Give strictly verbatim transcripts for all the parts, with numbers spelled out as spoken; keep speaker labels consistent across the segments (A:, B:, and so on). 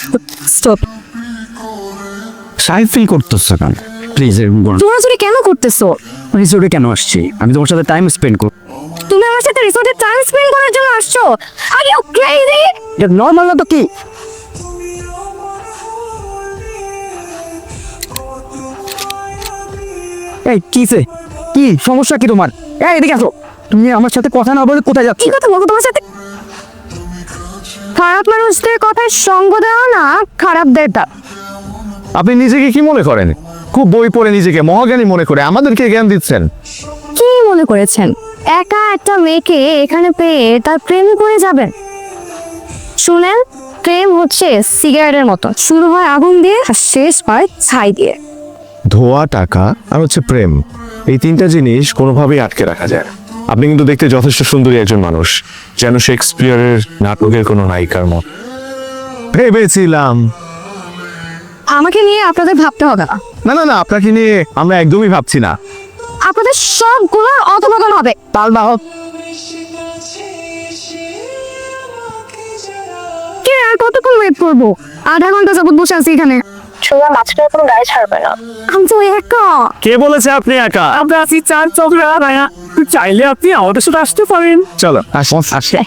A: Stop.
B: সাই feel করতেছ কেন? প্লিজ এরকম করো না।
A: জোরাজোরি কেন করতেছো?
B: রিসোর্টে কেন আসছি? আমি তোমার সাথে টাইম স্পেন্ড করব।
A: তুমি আমার সাথে রিসোর্টে টাইম স্পেন্ড করার জন্য আসছো? Are you crazy?
B: এটা নর্মাল না তো কি? এই কিসে? কি সমস্যা কি তোমার? এই এদিকে আসো। তুমি আমার সাথে কথা না বলে কোথায় যাচ্ছ?
A: কি কথা বলবো তোমার সাথে? খারাপ মানুষদের কথায় সঙ্গ দেওয়া না খারাপদের দা।
C: আপনি নিজেকে কি মনে করেন? খুব বই পড়ে নিজেকে মহাজ্ঞানী মনে করে আমাদেরকে জ্ঞান দিচ্ছেন।
A: কি মনে করেছেন একা একটা মেয়েকে এখানে পেয়ে তার প্রেমে পড়ে যাবেন? শুনেন, প্রেম হচ্ছে সিগারেটের মতো, শুরু হয় আগুন দিয়ে আর শেষ হয় ছাই দিয়ে।
C: ধোয়া, টাকা আর হচ্ছে প্রেম, এই তিনটা জিনিস কোনোভাবেই আটকে রাখা যায় না। আপনি কিন্তু দেখতে যথেষ্ট সুন্দরী একজন মানুষ, যেন শেক্সপিয়ারের নাটকের কোনো নায়িকার মত। ভেবেছিলাম
A: আমাকে নিয়ে আপনাদের ভাবতে হবে না।
C: না না না আপনাকে নিয়ে আমরা একদমই ভাবছি না।
A: আপনাদের সবগুলো অধপতন হবে।
B: তাল না হোক।
A: কি আর কতক্ষণ ওয়েট করবো? আধা ঘন্টা যাবত বসে আছি এখানে। সোজা মাঝখানে কোনো গাড়ি ছাড়বে না। আমি তো একা।
B: কে বলেছে আপনি একা? আমরা আছি চার চক্রা রায়া। চাইলে আপনি আমাদের সাথে আসতে পারেন।
C: চলো আসুন আসে।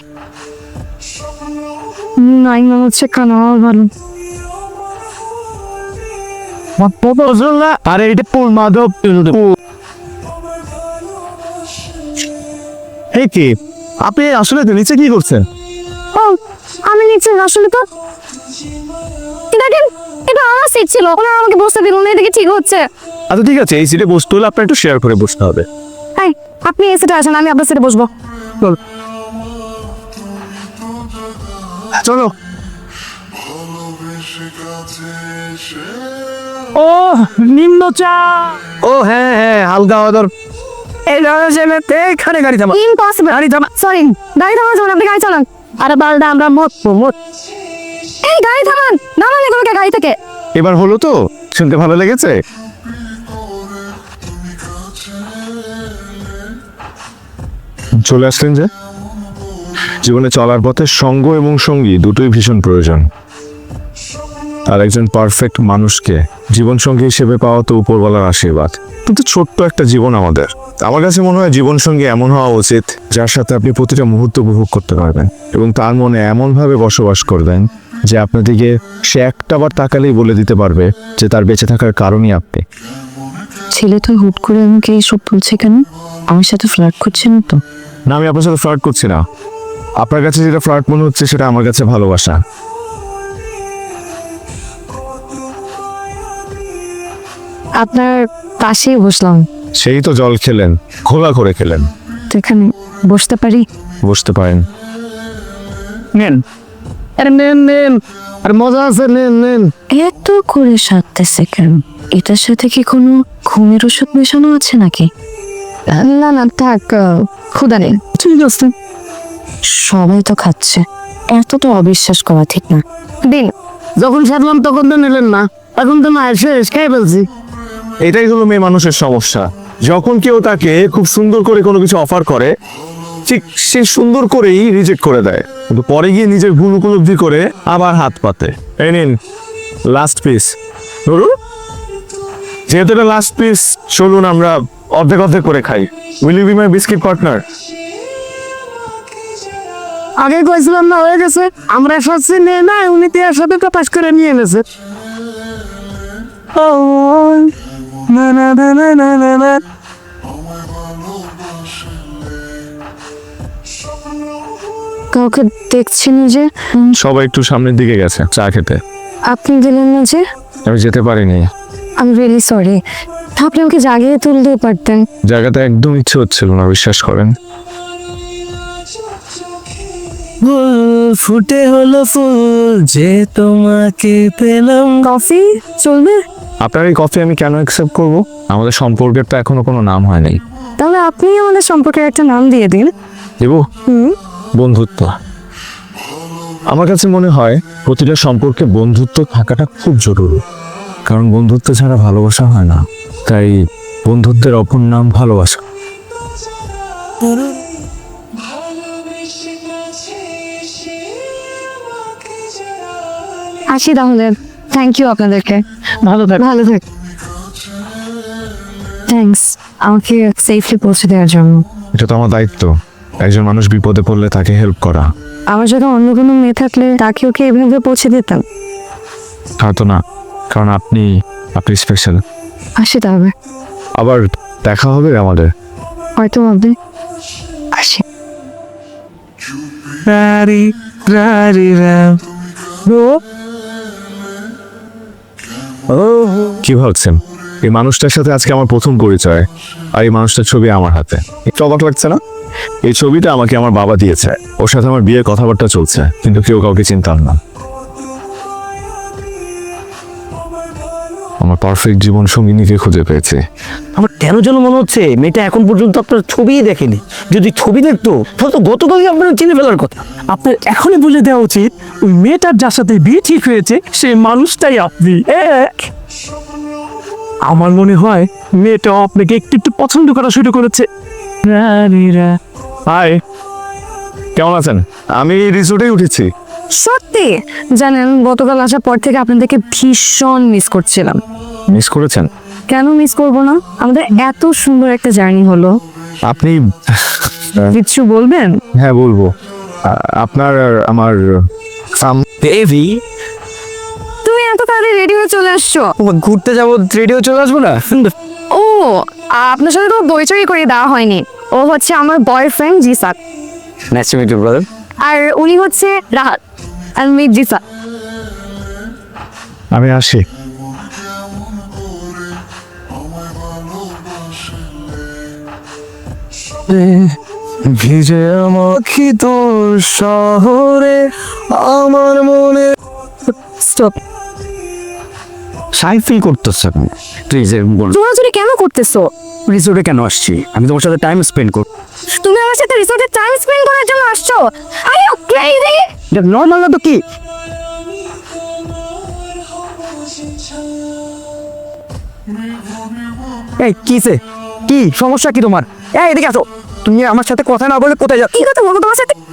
A: নাই মনে হচ্ছে কানা ভালো।
C: আরে এটা পুল মাধব। এই কি আপনি আসলে তো নিচে কি করছেন?
A: ও আমি নিচে আসলে তো দেখেন, এটা আমার সিট ছিল, ওনারা আমাকে বসতে দিল না, এদিকে ঠিক হচ্ছে।
C: আচ্ছা ঠিক আছে, এই সিটে বসতে হলে আপনার একটু শেয়ার করে বসতে হবে।
A: এই আপনি এই সিটে আসেন, আমি আপনার সিটে বসবো।
C: চলো।
B: ও নিম্ন চা।
C: ও হ্যাঁ হ্যাঁ হালকা আদর।
B: এই জায়গাতে এখানে গাড়ি থামা।
A: ইম্পসিবল।
B: গাড়ি থামা।
A: সরি, গাড়ি থামান যাবেন, আপনি গাড়ি চালান। আরে বালদা আমরা মত মত। এই গাড়ি থামান, নামান এগুলোকে গাড়ি থেকে।
C: এবার হলো তো? শুনতে ভালো লেগেছে? চলে আসলেন যে। জীবনে চলার পথে সঙ্গ এবং সঙ্গী দুটোই ভীষণ প্রয়োজন। আর একজন পারফেক্ট মানুষকে জীবন সঙ্গী হিসেবে পাওয়া তো উপরওয়ালার আশীর্বাদ। কিন্তু ছোট্ট একটা জীবন আমাদের। আমার কাছে মনে হয় জীবন সঙ্গী এমন হওয়া উচিত যার সাথে আপনি প্রতিটা মুহূর্ত উপভোগ করতে পারবেন এবং তার মনে এমনভাবে বসবাস করবেন যে আপনাদিকে সে একটা বার তাকালেই বলে দিতে পারবে যে তার বেঁচে থাকার কারণই আপনি।
A: ছেলেটা হুট করে আমাকে এইসব বলছে কেন? আমার সাথে ফ্লার্ট করছেন তো?
C: না, আমি আপনার সাথে ফ্লার্ট করছি না। আপনার কাছে যেটা ফ্লার্ট মনে হচ্ছে সেটা আমার কাছে ভালোবাসা।
A: আপনার পাশেই বসলাম,
C: সেই তো জল খেলেন, খোলা করে খেলেন।
A: তো এখানে বসতে পারি?
C: বসতে পারেন।
B: নেন। আরে নেন নেন। আর মজা আছে, নেন নেন।
A: এত করে সাজতেছে কেন? এটার সাথে কি কোনো ঘুমের ওষুধ মেশানো আছে নাকি? না না থাক, ক্ষুধা নেই।
B: ঠিক আছে।
A: সবাই তো খাচ্ছে, এত তো অবিশ্বাস করা ঠিক না। দিন।
B: যখন সাজলাম তখন তো নিলেন না, এখন তো না শেষ খাই ফেলছি।
C: এটাই হলো মেয়ে মানুষের সমস্যা। যখন কেউ তাকে খুব সুন্দর করে কোনো কিছু অফার করে, ঠিক সে সুন্দর করেই রিজেক্ট করে দেয়, কিন্তু পরে গিয়ে নিজের ভুল উপলব্ধি করে আবার হাত পাতে। এই নিন লাস্ট পিস। ধরুন, যেহেতু এটা লাস্ট পিস, চলুন আমরা অর্ধেক অর্ধেক করে খাই। Will you be my biscuit partner?
B: আগে কইছিলাম না হয়ে গেছে, আমরা সচ্ছি নিয়ে না, উনি তিয়ার সাথে প্রকাশ করে নিয়ে এনেছে। ও না না না না না না না।
A: কাউকে দেখছেন যে?
C: সবাই একটু সামনের দিকে গেছে চা খেতে।
A: আপনি দিলেন না যে?
C: আমি যেতে পারিনি।
A: আমি রিয়েলি সরি। আপনি আমাকে জাগিয়ে তুলতেও পারতেন।
C: জায়গাটা একদম ইচ্ছে হচ্ছিল না, বিশ্বাস করেন।
B: ফুটে হলো ফুল যে তোমাকে পেলাম।
A: কফি চলবে?
C: আপনার এই কফি আমি কেন অ্যাকসেপ্ট করব? আমাদের সম্পর্কের তো এখনো কোনো নাম হয় নাই।
A: তাহলে আপনি আমাদের সম্পর্কে একটা নাম দিয়ে দিন।
C: দেব?
A: হুম।
C: বন্ধুত্ব। আমার কাছে মনে হয় প্রতিটা সম্পর্কে বন্ধুত্ব থাকাটা খুব জরুরি, কারণ বন্ধুত্ব ছাড়া ভালোবাসা হয় না। তাই বন্ধুত্বের অপর নাম ভালোবাসা।
A: আসি তাহলে। থ্যাংক ইউ আপনাদেরকে।
B: ভালো থাক।
A: ভালো থাক। থ্যাঙ্কস আমাকে সেফলি পৌঁছে দেওয়ার জন্য।
C: এটা তো আমার দায়িত্ব, একজন মানুষ বিপদে পড়লে তাকে হেল্প করা।
A: আমার যদি অন্য কোনো মেয়ে থাকলে তাকে ওকে এভাবে পৌঁছে দিতাম।
C: হয়তো না, কারণ আপনি আপনি স্পেশাল।
A: আসি তাহলে।
C: আবার দেখা হবে আমাদের।
A: হয়তো হবে। আসি।
B: রারি রারি রাম রো ও
C: কি ভাবছেন? এই মানুষটার সাথে আজকে আমার প্রথম পরিচয়, আর এই মানুষটার ছবি আমার হাতে। একটু অবাক লাগছে না? এই ছবিটা আমাকে আমার বাবা দিয়েছে। ওর সাথে আমার বিয়ের কথাবার্তা চলছে, কিন্তু কেউ কাউকে চিনতাম না। আমার পারফেক্ট জীবন সঙ্গিনীকে খুঁজে পেয়েছে।
B: আমার কেন যেন মনে হচ্ছে মেয়েটা এখন পর্যন্ত আপনার ছবিই দেখেনি। যদি ছবি দেখতো তাহলে তো গতকালই আপনার চিনে ফেলার কথা। আপনার এখনই বুঝে দেওয়া উচিত ওই মেয়েটার যার সাথে বিয়ে ঠিক হয়েছে সেই মানুষটাই আপনি। এক আমার মনে হয় মেয়েটাও আপনাকে একটু একটু পছন্দ করা শুরু করেছে।
C: হাই, কেমন আছেন? আমি রিসোর্টেই উঠেছি।
A: সত্যি জানেন, গতকাল আসার পর থেকে আপনাদেরকে ভীষণ মিস করছিলাম।
C: মিস করেছেন?
A: কেন মিস করব না? আমাদের এত সুন্দর একটা জার্নি হলো।
C: আপনি
A: কিছু বলবেন?
C: হ্যাঁ বলবো। আ- আপনার আর আমার সাম
B: বেবি
A: তুমি এত তাড়াতাড়ি রেডি হয়ে চলে আসছো?
B: ঘুরতে যাবো, রেডিও চলে আসবো না?
A: ও, আপনার সাথে তো বইচই করে দেওয়া হয়নি। ও হচ্ছে আমার boyfriend Jisak,
B: nice to meet you brother.
A: আর উনি হচ্ছে রাহাত। আর মিট জিসাক।
C: আমি আসি। ভিজে আমাকে তোর শহরে আমার মনে
A: স্টপ।
B: সাই ফিল করতেছ কেন? তুই যে বল
A: জোরাজুরি কেন করতেছো?
B: রিসোর্টে কেন আসছি? আমি তোমার সাথে টাইম স্পেন্ড করব।
A: তুমি আমার সাথে রিসোর্টে টাইম স্পেন্ড করার জন্য আসছো? Are you crazy?
B: এটা নর্মাল না তো কি? এই কিসে কি সমস্যা কি তোমার? এই এদিকে আসো। তুমি আমার সাথে কথা না বলে কোথায় যাচ্ছ?
A: কি কথা বলবো তোমার সাথে?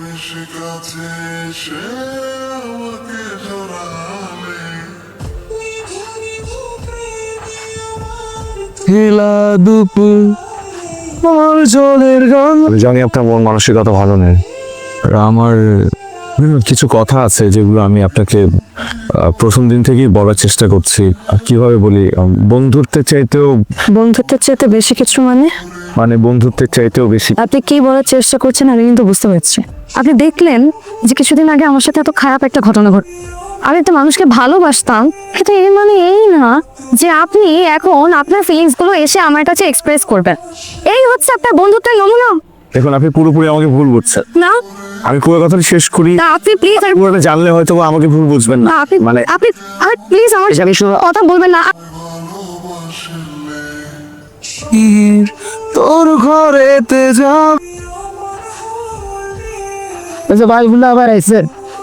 C: হেলা দুপুর আমার জলের গান। আমি জানি আপনার মন মানসিকতা ভালো নেই। আর আমার কিছু কথা আছে যেগুলো আমি আপনাকে আহ, প্রথম দিন থেকেই বলার চেষ্টা করছি। আর কিভাবে বলি, আম, বন্ধুত্বের চাইতেও
A: বন্ধুত্বের চাইতে বেশি কিছু মানে?
C: মানে বন্ধুত্বের চাইতেও বেশি।
A: আপনি কি বলার চেষ্টা করছেন আমি কিন্তু বুঝতে পারছি। আপনি দেখলেন যে কিছুদিন আগে আমার সাথে এত খারাপ একটা ঘটনা ঘট। আমি একটা মানুষকে ভালোবাসতাম, কিন্তু এর মানে এই না যে আপনি এখন আপনার ফিলিংস গুলো এসে আমার কাছে এক্সপ্রেস করবেন। এই হচ্ছে আপনার বন্ধুত্বের নমুনা।
C: দেখুন, আপনি পুরোপুরি আমাকে ভুল বুঝছেন।
A: না
C: আমি পুরো কথাটা শেষ করি।
A: না, আপনি প্লিজ আর
C: পুরোটা জানলে হয়তো বা আমাকে ভুল বুঝবেন না।
A: না, আপনি
C: মানে
A: আপনি আর প্লিজ আমার
B: আমি শুনো
A: কথা বলবেন না।
C: তোর ঘরেতে যা
B: আচ্ছা ভাইগুলো আবার আইছে।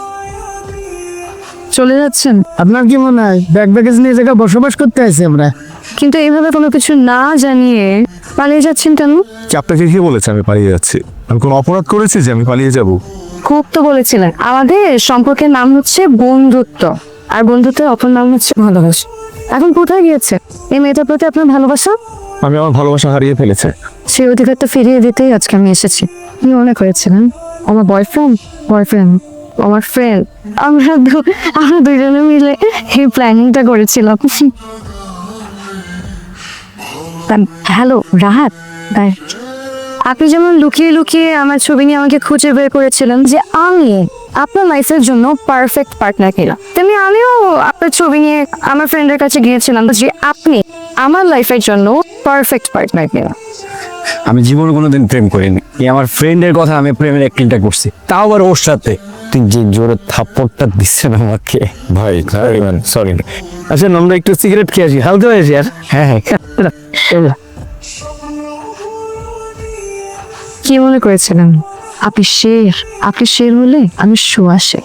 A: চলে যাচ্ছেন?
B: আপনার কি মনে হয় ব্যাগ ব্যাগেজ নিয়ে জায়গায় বসবাস করতে আছি আমরা?
A: কিন্তু এইভাবে কোনো কিছু না জানিয়ে পালিয়ে যাচ্ছেন কেন?
C: কি আপনাকে কি বলেছে আমি পালিয়ে যাচ্ছি? আমি কোনো অপরাধ করেছি যে আমি পালিয়ে যাব?
A: খুব তো বলেছিলেন আমাদের সম্পর্কের নাম হচ্ছে বন্ধুত্ব, আর বন্ধুত্বের অপর নাম হচ্ছে ভালোবাসা। এখন কোথায় গিয়েছে এই মেয়েটার প্রতি আপনার ভালোবাসা?
C: আমি আমার ভালোবাসা হারিয়ে ফেলেছে।
A: সেই অধিকারটা ফিরিয়ে দিতেই আজকে আমি এসেছি। কি মনে করেছিলেন আমার বয়ফ্রেন্ড বয়ফ্রেন্ড আমার ফ্রেন্ড? আমরা দু- আমরা দুজনে মিলে এই প্ল্যানিংটা করেছিলাম। হ্যালো রাহাত ভাই, আপনি যেমন লুকিয়ে লুকিয়ে আমার ছবি নিয়ে আমাকে খুঁজে বের করেছিলেন যে আমি আপনার লাইফের জন্য পারফেক্ট পার্টনার কিনা, তেমনি আমিও আপনার ছবি নিয়ে আমার ফ্রেন্ডের কাছে গিয়েছিলাম যে আপনি আমার লাইফের জন্য পারফেক্ট পার্টনার কিনা।
B: আমি জীবনে কোনোদিন প্রেম করিনি। এই আমার ফ্রেন্ডের কথা আমি প্রেমের অ্যাক্টিংটা করছি, তাও আবার ওর সাথে। তুই যে জোরে থাপ্পড়টা দিচ্ছেন আমাকে
C: ভাই সরি।
B: আচ্ছা আমরা একটু সিগারেট খেয়ে আসি, হালকা হয়ে আসি। আর হ্যাঁ হ্যাঁ
A: কি মনে করেছিলেন আপনি শের? আপনি শের হলে আমি শুয়াশে।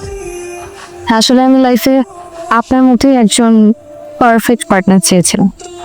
A: আসলে আমি লাইফে আপনার মতোই একজন পারফেক্ট পার্টনার চেয়েছিলাম।